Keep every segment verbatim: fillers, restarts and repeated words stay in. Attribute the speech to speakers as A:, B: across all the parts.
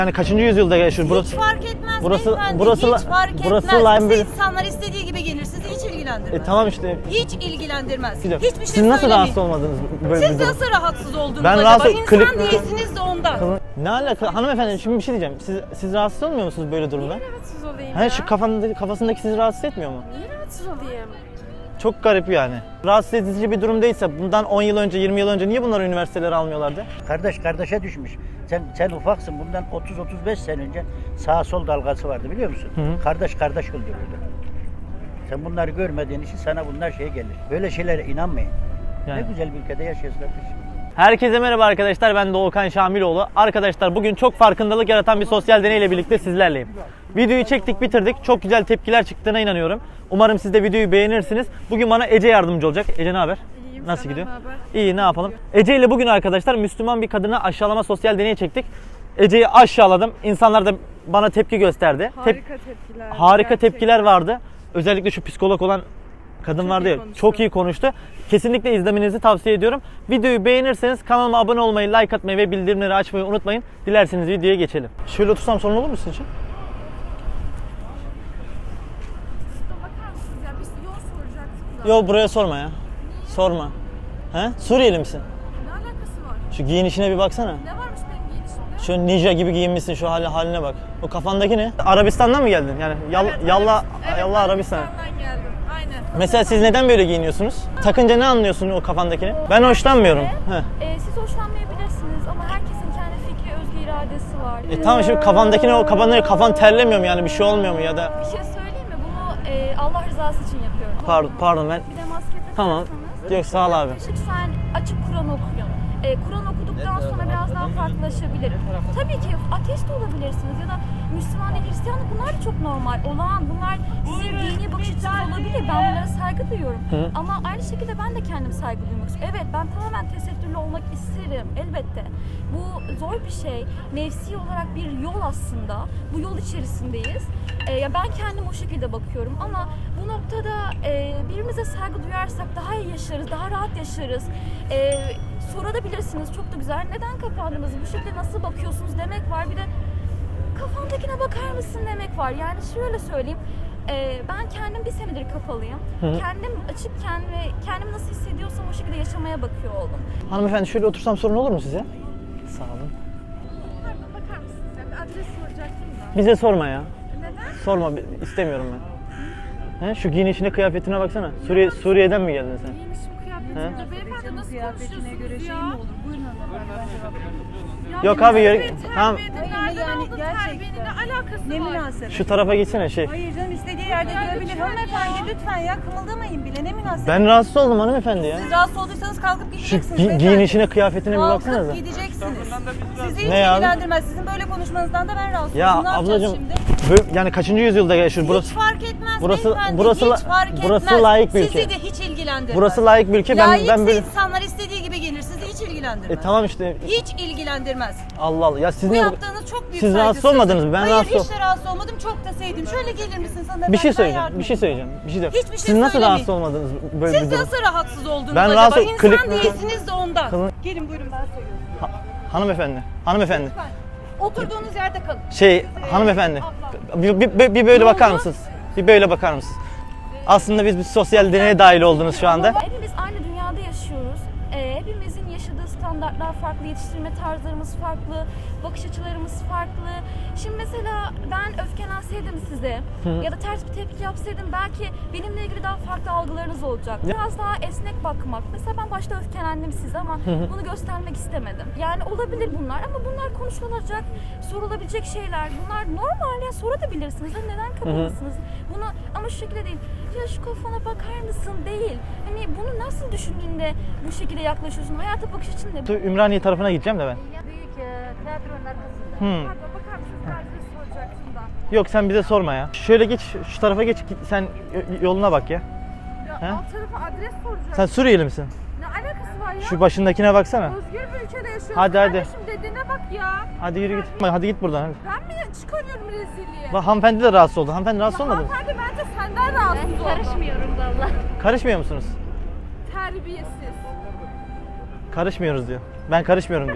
A: Yani kaçıncı yüzyılda yaşıyor burası?
B: Hiç fark etmez
A: burası,
B: beyefendi.
A: burası,
B: hiç fark
A: burası
B: etmez.
A: Lime
B: Bu
A: bir-
B: insanlar istediği gibi gelir. Sizi hiç ilgilendirmez.
A: E tamam işte.
B: Hiç ilgilendirmez.
A: Bir dakika.
B: Hiçbir şey
A: Siz nasıl
B: söylemeyin.
A: rahatsız olmadınız böyle bir
B: Siz
A: durum?
B: nasıl rahatsız oldunuz
A: Ben
B: acaba?
A: rahatsız-
B: İnsan
A: klip-
B: değilsiniz de ondan.
A: Ne alaka? Hanımefendi şimdi bir şey diyeceğim. Siz, siz rahatsız olmuyor musunuz böyle durumda?
C: Niye rahatsız olayım
A: He,
C: ya?
A: şu kafasındaki, kafasındaki sizi rahatsız etmiyor mu?
C: Niye rahatsız olayım?
A: Çok garip yani. Rahatsız edici bir durum değilse bundan on yıl önce, yirmi yıl önce niye bunları üniversitelere almıyorlardı?
D: Kardeş kardeşe düşmüş. Sen sen ufaksın. Bundan otuz otuz beş sene önce sağ sol dalgası vardı biliyor musun?
A: Hı hı.
D: Kardeş kardeş öldürürdü. Sen bunları görmediğin için sana bunlar şey gelir. Böyle şeylere inanmayın.
A: Yani.
D: Ne güzel bir ülkede yaşıyoruz kardeşim.
A: Herkese merhaba arkadaşlar, ben Doğukan Şamiloğlu. Arkadaşlar bugün çok farkındalık yaratan bir sosyal deneyle birlikte sizlerleyim. Videoyu çektik, bitirdik. Çok güzel tepkiler çıktığına inanıyorum. Umarım siz de videoyu beğenirsiniz. Bugün bana Ece yardımcı olacak. Ece ne haber?
C: İyiyim,
A: Nasıl
C: senden
A: gidiyor?
C: ne haber?
A: İyi, ne yapalım? Ece ile bugün arkadaşlar Müslüman bir kadını aşağılama sosyal deneyi çektik. Ece'yi aşağıladım. İnsanlar da bana tepki gösterdi. Tep-
C: Harika tepkiler.
A: harika
C: gerçekten.
A: tepkiler vardı. Özellikle şu psikolog olan kadın
C: Çok
A: vardı
C: iyi
A: ya,
C: konuştu.
A: çok iyi konuştu. Kesinlikle izlemenizi tavsiye ediyorum. Videoyu beğenirseniz kanalıma abone olmayı, like atmayı ve bildirimleri açmayı unutmayın. Dilerseniz videoya geçelim. Şöyle otursam sorun olur mu sizin için?
C: Bakar mısınız ya? Biz yol soracaktım da.
A: Yok, buraya sorma ya. Sorma. He? Suriyeli misin?
C: Ne alakası var?
A: Şu giyinişine bir baksana.
C: Ne varmış benim giyinişimde?
A: Şu ninja gibi giyinmişsin, şu hali, haline bak. O kafandaki ne? Arabistan'dan mı geldin? Yani yal, yalla,
C: Evet,
A: yalla Arabistan.
C: Arabistan'dan geldim. Aynen.
A: Mesela siz neden böyle giyiniyorsunuz? Takınca ne anlıyorsun o kafandakini? Ben hoşlanmıyorum. Heh.
E: Ee, siz hoşlanmayabilirsiniz ama herkesin kendi fikri, özgür iradesi var.
A: E tamam, şimdi kafandakine o kafan, kafan terlemiyor mu yani, bir şey olmuyor mu ya da?
E: Bir şey söyleyeyim mi? Bunu e, Allah rızası için yapıyorum.
A: Pardon, pardon ben.
E: Bir de maske takarsanız.
A: Tamam. Yok, sağ ol abi.
E: Lütfen açıp Kur'an okuyun. E, Kur'an okuduktan sonra biraz daha farklılaşabilir. Tabii ki ateist de olabilirsiniz ya da Müslüman, Hristiyan, bunlar da çok normal, olağan. Bunlar sizin dini bakış açınız olabilir. Ben bunlara saygı duyuyorum.
A: Hı.
E: Ama aynı şekilde ben de kendim saygı duymak istiyorum. Evet, ben tamamen tesettürlü olmak isterim elbette. Bu zor bir şey. Nefsi olarak bir yol aslında. Bu yol içerisindeyiz. E, ya ben kendim o şekilde bakıyorum ama bu noktada e, birbirimize saygı duyarsak daha iyi yaşarız, daha rahat yaşarız. E, sorabilirsiniz, çok da güzel. Neden kapandınız? Bu şekilde nasıl bakıyorsunuz demek var. Bir de kafandakine bakar mısın demek var. Yani şöyle söyleyeyim. e, ben kendim bir senedir kapalıyım.
A: Hı.
E: Kendim açıkken ve kendimi nasıl hissediyorsam o şekilde yaşamaya bakıyor oldum.
A: Hanımefendi şöyle otursam sorun olur mu size? Sağ olun.
C: Pardon, bakar mısınız ya? Bir adres soracaktım da.
A: Bize sorma ya.
C: Neden?
A: Sorma, bi- istemiyorum ben. He, şu giyinişine, kıyafetine baksana. Suriye, Suriye'den mi geldin sen?
C: Giyinişim, kıyafetim. Beyefendi nasıl konuşuyorsunuz
F: göre şey
C: ya?
F: mi olur? Buyurun hanımefendi, ben cevap veriyorum.
C: Ya
A: Yok
C: benim
A: abi, yürü-
C: terbiye edin,
A: tamam.
C: Nereden
F: Yani
C: aldın
F: gerçekten.
C: terbiyenin? Ne alakası
F: Ne
C: var?
F: münasebet?
A: Şu tarafa geçsene şey.
F: Hayır canım, istediği yerde
C: Ya
F: durabilir.
C: lütfen
F: Hanımefendi
C: ya.
F: lütfen ya, kımıldamayın bile, ne münasebet?
A: Ben rahatsız oldum hanımefendi ya.
B: Siz rahatsız olduysanız kalkıp
A: Şu
B: gideceksiniz.
A: gi-
B: beyefendi.
A: giyinişine, kıyafetine bir
B: Kalkıp
A: baksanıza.
B: gideceksiniz. Sizi hiç
A: Ne ya?
B: ilgilendirmez. Sizin böyle konuşmanızdan da ben rahatsız
A: Ya
B: oldum. Ne yapacağız
A: ablacığım,
B: şimdi?
A: böyle- yani kaçıncı yüzyılda yaşıyor burası?
B: Hiç fark etmez
A: burası-
B: beyefendi.
A: burası la-
B: hiç fark
A: burası
B: etmez.
A: layık bir
B: Sizi
A: ülke.
B: de hiç ilgilendirmez.
A: Burası layık bir ülke. Ben
B: Layıksa
A: ben böyle
B: insanlar istediği gibi gelir. Sizi hiç ilgilendirmez.
A: E tamam işte.
B: Hiç ilgilendirmez.
A: Allah Allah. Ya siz
B: Bu
A: niye
B: yaptığınız çok büyük
A: Siz rahatsız
B: saygısızlık.
A: olmadınız mı? Ben
B: Hayır,
A: rahatsız
B: hiç de rahatsız olmadım. Çok da sevdim. Şöyle gelir misin sana?
A: bir
B: ben-
A: şey
B: ben
A: söyleyeceğim.
B: yardım
A: Bir şey
B: edeyim.
A: söyleyeceğim. Bir şey de.
B: Hiçbir şey
A: Siz nasıl
B: söylemeyin.
A: rahatsız olmadınız böyle
B: Siz
A: bir durum?
B: nasıl rahatsız oldunuz
A: Ben
B: acaba?
A: rahatsız-
B: İnsan
A: klip-
B: değilsiniz de ondan.
A: Kılın-
B: Gelin buyurun ben söylüyorum.
A: Hanımefendi. Hanımefendi.
B: Lütfen. Oturduğunuz yerde kalın.
A: Şey, hanımefendi. Bir, bir, bir, bir böyle
B: Ne
A: bakar
B: oldu?
A: mısınız? Bir böyle bakar mısınız? Aslında biz bir sosyal deneye dahil oldunuz şu anda.
E: Hepimiz aynı dünyada yaşıyoruz. Ee, hepimizin yaşadığı standartlar farklı, yetiştirme tarzlarımız farklı, bakış açılarımız farklı. Şimdi mesela ben öfkelenseydim size ya da ters bir tepki yapsaydım belki benimle ilgili daha farklı algılarınız olacak. Biraz daha esnek bakmak. Mesela ben başta öfkelendim size ama bunu göstermek istemedim. Yani olabilir bunlar ama bunlar konuşulacak, sorulabilecek şeyler. Bunlar normal ya, sorabilirsiniz. Hani neden kapalısınız? Bunu ama şu şekilde değil. Ya şu kafana bakar mısın değil. Hani bunu nasıl düşündüğünde bu şekilde yaklaşıyorsun? Hayata bakış açın ne?
A: Ümraniye tarafına gideceğim de ben.
F: Büyük tiyatronun arkasında.
A: Hmm.
C: Pardon, bakar mısınız? Bir adres soracaktım da.
A: Yok, sen bize sorma ya. Şöyle geç, şu tarafa geç, git, sen y- yoluna bak ya.
C: Ya
A: He?
C: alt tarafa adres soracaktım.
A: Sen Suriyeli misin?
C: Ne alakası var ya?
A: Şu başındakine baksana.
C: Özgür bir ülkede yaşıyoruz.
A: Hadi, hadi.
C: Kardeşim dediğine bak ya.
A: Hadi yürü git. Hadi git buradan. Hadi.
C: Ben mi çıkarıyorum rezilliği?
A: Bak, hanımefendi de rahatsız oldu. Hanımefendi rahatsız
C: Ya
A: olmadı mı?
C: hanımefendi bence senden rahatsız oldu.
E: Karışmıyorum valla.
A: Karışmıyor musunuz?
C: Terbiyesiz.
A: Karışmıyoruz diyor. Ben karışmıyorum diyor.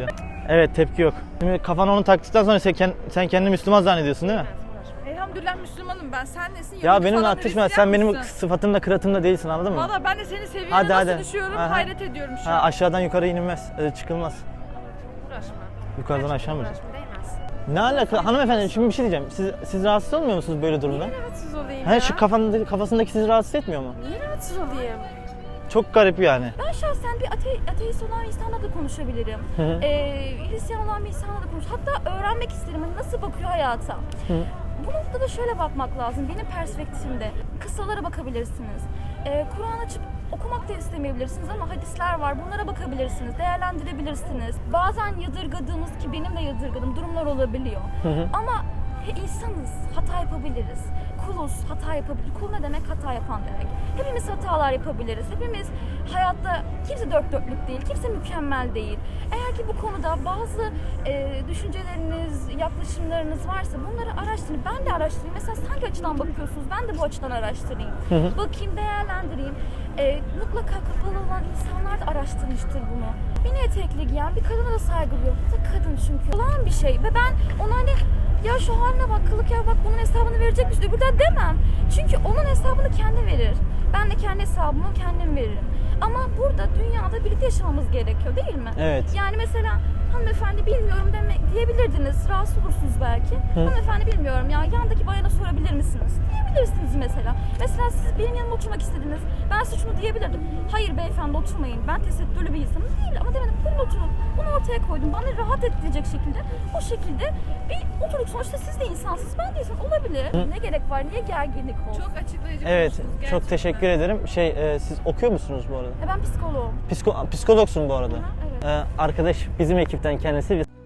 A: Evet, tepki yok. Şimdi kafana onu taktıktan sonra sen, kend- sen kendini Müslüman zannediyorsun değil mi?
C: Elhamdülillah Müslümanım ben. Sen nesin?
A: Ya
C: Yahudi
A: benimle
C: falan,
A: atışma.
C: Hristiyan
A: Sen benim
C: mısın?
A: sıfatımda, kıratımda değilsin, anladın mı?
C: Valla ben de senin seviyene
A: Hadi,
C: nasıl
A: hadi.
C: düşüyorum
A: Aha.
C: hayret ediyorum şu
A: Ha,
C: an.
A: aşağıdan yukarı inilmez, e, çıkılmaz.
C: Uğraşma.
A: Yukarıdan aşağı mı?
C: Uğraşma değmez.
A: Ne alaka? Hanımefendi, şimdi bir şey diyeceğim. Siz, siz rahatsız olmuyor musunuz böyle durumda?
C: Niye rahatsız olayım
A: He,
C: ya?
A: şu kafandaki, kafasındaki sizi rahatsız etmiyor mu?
C: Niye rahatsız olayım?
A: Çok garip yani.
E: Ben şahsen bir ate- ateist olan bir insanla da konuşabilirim.
A: Hı hı.
E: Ee, Hristiyan olan bir insanla da konuş. Hatta öğrenmek isterim hani nasıl bakıyor hayata.
A: Hı.
E: Bu noktada şöyle bakmak lazım. Benim perspektifimde kıssalara bakabilirsiniz. Ee, Kur'an açıp okumak da istemeyebilirsiniz ama hadisler var. Bunlara bakabilirsiniz, değerlendirebilirsiniz. Bazen yadırgadığımız, ki benim de yadırgadığım durumlar olabiliyor.
A: Hı hı.
E: Ama he, insanız, hata yapabiliriz. Kuluz, hata yapabilir. Kul ne demek? Hata yapan demek. Hepimiz hatalar yapabiliriz. Hepimiz hayatta, kimse dört dörtlük değil, kimse mükemmel değil. Eğer ki bu konuda bazı e, düşünceleriniz, yaklaşımlarınız varsa bunları araştırın. Ben de araştırayım. Mesela siz hangi açıdan bakıyorsunuz? Ben de bu açıdan araştırayım.
A: Hı hı.
E: Bakayım, değerlendireyim. E, mutlaka kapalı olan insanlar da araştırmıştır bunu. Mini etekli giyen bir kadına da saygı duyuyorum. Bu da kadın çünkü. Olan bir şey ve ben ona hani ya şu haline bak, kılık ya bak, bunun hesabını verecek misin? Öbürden demem. Çünkü onun hesabını kendi verir. Ben de kendi hesabımı kendim veririm. Ama burada dünyada birlikte yaşamamız gerekiyor değil mi?
A: Evet.
E: Yani mesela hanımefendi bilmiyorum demek diyebilirdiniz. Rahatsız olursunuz belki. Hanımefendi bilmiyorum ya, yandaki bayana sorabilir misiniz? Diyebilirsiniz mesela. Mesela siz benim yanıma oturmak istediniz. Ben size şunu diyebilirdim. Hayır beyefendi oturmayın. Ben tesettürlü bir insanım değil ama demedim. Buyurun oturun. Bunu ortaya koydum. Bana rahat ettirecek şekilde o şekilde bir oturduk. Sonuçta siz de insansınız. Ben de insan olabilir. Ne gerek var? Niye gerginlik olsun?
C: Çok açıklayıcı
A: Evet,
C: konuştunuz
A: çok
C: gerçekten.
A: teşekkür ederim. Şey, e, siz okuyor musunuz bu arada?
E: E ben psikoloğum.
A: Psiko, psikologsun bu arada.
E: Hı, evet.
A: Ee, arkadaş bizim ekipten kendisi. Biz-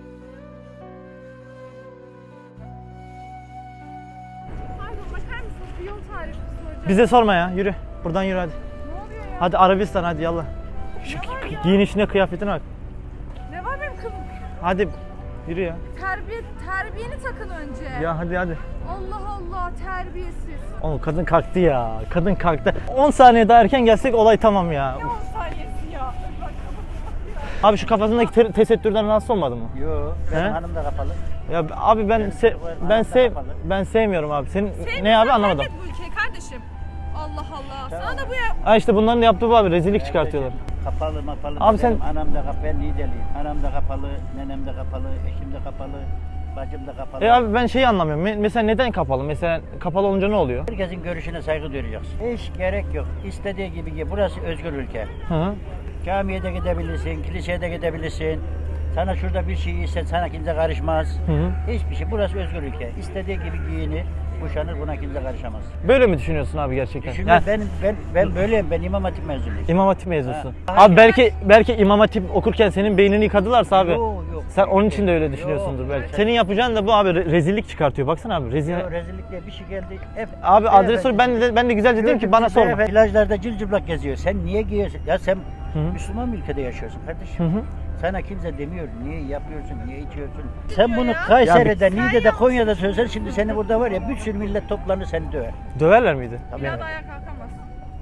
C: Pardon bakar mısınız? Bir yol tarifi soracağım.
A: Bize sorma ya, yürü. Buradan yürü hadi.
C: Ne oluyor ya?
A: Hadi Arabistan, hadi yallah. Şu
C: Ne var ya?
A: giyinişine, kıyafetine bak.
C: Ne var benim kılım?
A: Hadi yürü ya.
C: Terbiye, terbiyeni takın önce.
A: Ya hadi hadi.
C: Allah Allah terbiyesiz.
A: Oğlum kadın kalktı ya. Kadın kalktı. on saniye daha erken gelsek olay tamam ya.
C: Ne on saniyesi ya? Bak
A: Abi şu kafasındaki te- tesettürden rahatsız olmadın mı?
D: Yo, benim
A: He?
D: hanım da kapalı.
A: Ya abi ben se- ben sev ben sevmiyorum abi. Senin ne abi anlamadım.
C: Terk et bu ülkeyi kardeşim. Allah Allah. Sana da bu ya.
A: Ha işte bunların yaptığı bu abi, rezillik çıkartıyorlar.
D: Kapalı mapalı.
A: Abi sen-
D: Benim anam da kapalı, ben Niğdeliyim. Anam da kapalı, nenem de kapalı, eşim de kapalı, bacım da kapalı.
A: E abi ben şeyi anlamıyorum. Me- mesela neden kapalı? Mesela kapalı olunca ne oluyor?
D: Herkesin görüşüne saygı duyacaksın. Hiç gerek yok. İstediği gibi git. Burası özgür ülke.
A: Hı hı.
D: Camiye de gidebilirsin, kiliseye de gidebilirsin. Sana şurada bir şey ise sana kimse karışmaz.
A: Hı hı.
D: Hiçbir şey. Burası özgür ülke. İstediği gibi giyinir, kuşanır, buna kimse karışamaz.
A: Böyle mi düşünüyorsun abi gerçekten?
D: Düşünün
A: Yani
D: ben ben ben böyleyim. Ben İmam Hatip mezunuyum.
A: İmam Hatip mezunusun.
D: Ha.
A: Abi belki belki İmam Hatip okurken senin beynini yıkadılarsa abi.
D: Yok, yok.
A: Sen onun için de öyle
D: Yok.
A: düşünüyorsundur belki. Senin yapacağın da bu abi, re- rezillik çıkartıyor. Baksana abi rezil.
D: Yo, rezillik diye bir şey geldi. Hep,
A: Abi adres sor,
D: Beyefendi-
A: ben de ben de güzelce dedim ki bana sorma.
D: Beyefendi plajlarda cılcıplak geziyor. Sen niye giyiyorsun? Ya sen
A: Hı.
D: Müslüman bir ülkede yaşıyorsun kardeşim.
A: Hı hı.
D: Sana kimse demiyor niye yapıyorsun, niye içiyorsun. Sen bunu Kayseri'de,
A: Ya
D: Niğde'de, Konya'da söylesen şimdi seni burada var ya bir sürü millet toplanır seni döver.
A: Döverler miydi?
D: Tabii.
C: Bir daha da ayağa kalkamaz.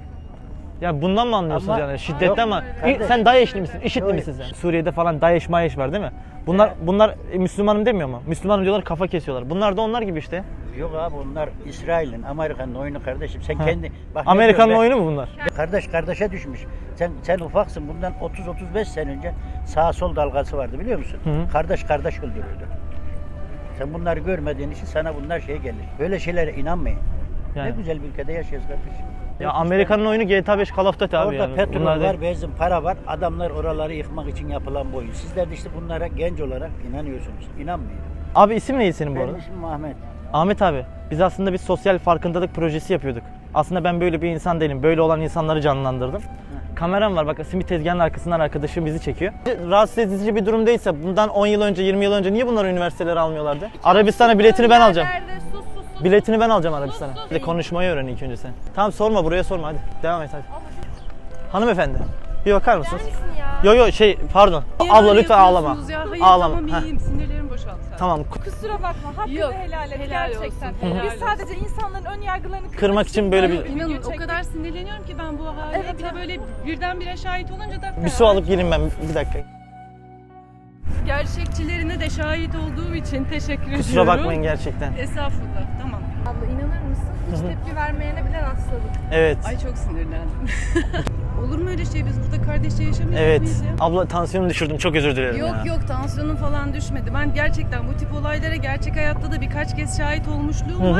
A: Ya bundan mı anlıyorsunuz
D: Ama-
A: yani? Şiddetten mi?
D: Yok,
A: İ-
D: kardeş.
A: Sen DAEŞ'li misin? IŞİD'li
D: Yok.
A: misin sen? Suriye'de falan DAEŞ mayeş var değil mi? Bunlar bunlar e, Müslümanım demiyor mu? Müslümanım diyorlar, kafa kesiyorlar. Bunlar da onlar gibi işte.
D: Yok abi onlar İsrail'in, Amerika'nın oyunu kardeşim. Sen
A: Ha.
D: kendi... Bak ne
A: Amerikan'ın
D: diyorum ben?
A: oyunu mu bunlar?
D: Kardeş kardeşe düşmüş. Sen sen ufaksın. Bundan otuz otuz beş sene önce sağ sol dalgası vardı biliyor musun?
A: Hı hı.
D: Kardeş kardeş öldürürdü. Sen bunları görmediğin için sana bunlar şey gelir. Böyle şeylere inanmayın.
A: Yani.
D: Ne güzel bir ülkede yaşıyoruz kardeşim.
A: Ya Amerika'nın oyunu G T A beş Call of Duty abi
D: Orada
A: yani.
D: petrol
A: Bunlar
D: var,
A: değil.
D: benzin, para var. Adamlar oraları yıkmak için yapılan bu oyun. Sizler de işte bunlara genç olarak inanıyorsunuz. İnanmayın.
A: Abi isim neydi senin bu
D: Benim
A: arada?
D: ismim Ahmet.
A: Ahmet abi, biz aslında bir sosyal farkındalık projesi yapıyorduk. Aslında ben böyle bir insan değilim. Böyle olan insanları canlandırdım. Kameram var bak, simit tezgahının arkasından arkadaşım bizi çekiyor. Rahatsız edici bir durum değilse bundan on yıl önce, yirmi yıl önce niye bunları üniversitelere almıyorlardı? Arabistan'a biletini ben alacağım.
C: Nerede? Sus sus sus.
A: Biletini ben alacağım Arabistan'a.
C: sus.
A: Bir de konuşmayı öğren ilk önce sen. Tamam sorma, buraya sorma hadi. Devam et hadi. Hanımefendi, bir bakar mısınız? Yo yo şey pardon.
G: Niye
A: Abla
G: böyle
A: lütfen ağlama.
G: yapıyorsunuz Ya? Hayır
A: Ağlama.
G: tamam
A: Heh,
G: iyiyim sinirlerim boşaldı.
A: tamam.
F: Kusura bakma. Hakkını
G: Yok,
F: helal et
G: helal
F: gerçekten.
G: olsun, helal
F: Biz
G: olsun.
F: sadece insanların ön yargılarını kırmak,
A: Kırmak için böyle bir-
G: İnanın o
F: çektik.
G: kadar sinirleniyorum ki ben bu hale.
F: Evet,
G: bir de böyle birdenbire şahit olunca da
A: Bir su alıp gelin ben bir dakika.
G: Gerçekçilerine de şahit olduğum için teşekkür ediyorum.
A: Kusura bakmayın gerçekten.
G: Estağfurullah. Tamam.
C: Abla inanır mısın? Hiç tepki vermeyene bile rastladık.
A: Evet.
G: Ay çok sinirlendim. Olur mu öyle şey? Biz burada kardeşçe yaşamıyor
A: Evet.
G: muyuz ya?
A: Abla tansiyonumu düşürdüm. Çok özür dilerim
G: Yok
A: ya.
G: yok tansiyonum falan düşmedi. Ben gerçekten bu tip olaylara gerçek hayatta da birkaç kez şahit olmuşluğum
A: Hı hı.
G: var.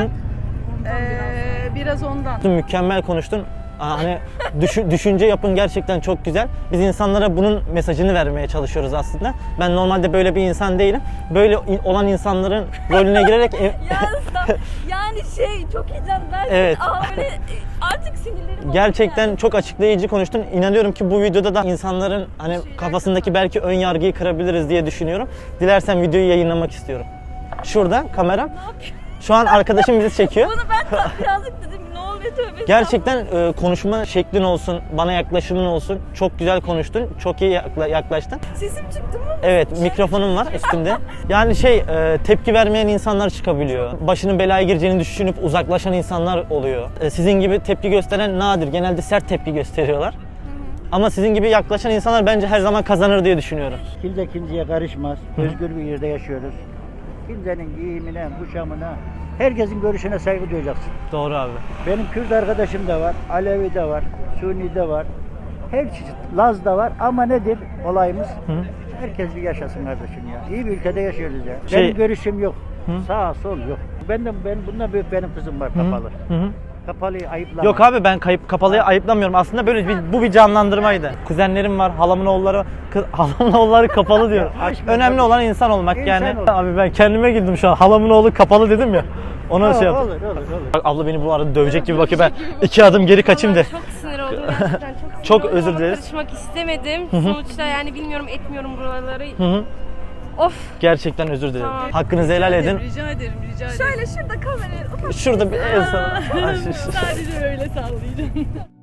G: Ee, biraz ondan.
A: Mükemmel konuştun. Aa, Hani düşü- düşünce yapın gerçekten çok güzel. Biz insanlara bunun mesajını vermeye çalışıyoruz aslında. Ben normalde böyle bir insan değilim. Böyle in- olan insanların rolüne girerek e-
E: Yani, yani şey çok heyecanlı.
A: Evet.
E: Aa, böyle artık sinirlerim oldu
A: gerçekten
E: yani.
A: çok açıklayıcı konuştun. İnanıyorum ki bu videoda da insanların hani kafasındaki belki ön yargıyı kırabiliriz diye düşünüyorum. Dilersen videoyu yayınlamak istiyorum. Şurada kameram. Şu an arkadaşım bizi çekiyor.
E: Bunu ben tam birazcık dedim ne oluyor tövbe.
A: Gerçekten e, konuşma şeklin olsun, bana yaklaşımın olsun. Çok güzel konuştun, çok iyi yakla- yaklaştın.
E: Sesim çıktı mı?
A: Evet, mikrofonum var üstümde. Yani şey, e, tepki vermeyen insanlar çıkabiliyor. Başının belaya gireceğini düşünüp uzaklaşan insanlar oluyor. E, sizin gibi tepki gösteren nadir. Genelde sert tepki gösteriyorlar. Ama sizin gibi yaklaşan insanlar bence her zaman kazanır diye düşünüyorum.
D: Kimse kimseye karışmaz. Özgür bir yerde yaşıyoruz. Kimsenin giyimine, kuşamına, herkesin görüşüne saygı duyacaksın.
A: Doğru abi.
D: Benim Kürt arkadaşım da var, Alevi de var, Suni de var. Her çeşit Laz da var ama nedir olayımız?
A: Hı.
D: Herkes bir yaşasın kardeşim ya. İyi bir ülkede yaşıyoruz ya.
A: Şey-
D: Benim görüşüm yok.
A: Hı.
D: Sağ sol yok. Ben de ben bundan büyük benim kızım var kapalı.
A: Hı hı.
D: Kapalıyı ayıplama.
A: Yok abi ben kayıp kapalıya ayıplamıyorum. Aslında böyle bir, bu bir canlandırmaydı. Kuzenlerim var, halamın oğulları, kız, halamın oğulları kapalı diyor.
D: Açma
A: Önemli
D: tabii.
A: olan insan olmak
D: İnsan
A: yani.
D: olmak.
A: Abi ben kendime güldüm şu an. Halamın oğlu kapalı dedim ya. Ona şey yaptım.
D: Olur olur olur.
A: Bak abla beni bu arada dövecek gibi bakıyor. Ben iki adım geri kaçayım de.
H: Çok sinir oldum gerçekten çok sinir
A: Çok
H: oldum
A: özür
H: ama
A: dileriz.
H: Karışmak istemedim. Sonuçta yani bilmiyorum etmiyorum buraları.
A: Hı hı.
H: Of.
A: Gerçekten özür dilerim.
H: Tamam.
A: Hakkınızı helal edin.
G: Rica ederim, rica ederim.
E: Şöyle şurada kamerayı ufak
A: Şurada bir el sana.
G: Sadece öyle sallayacağım.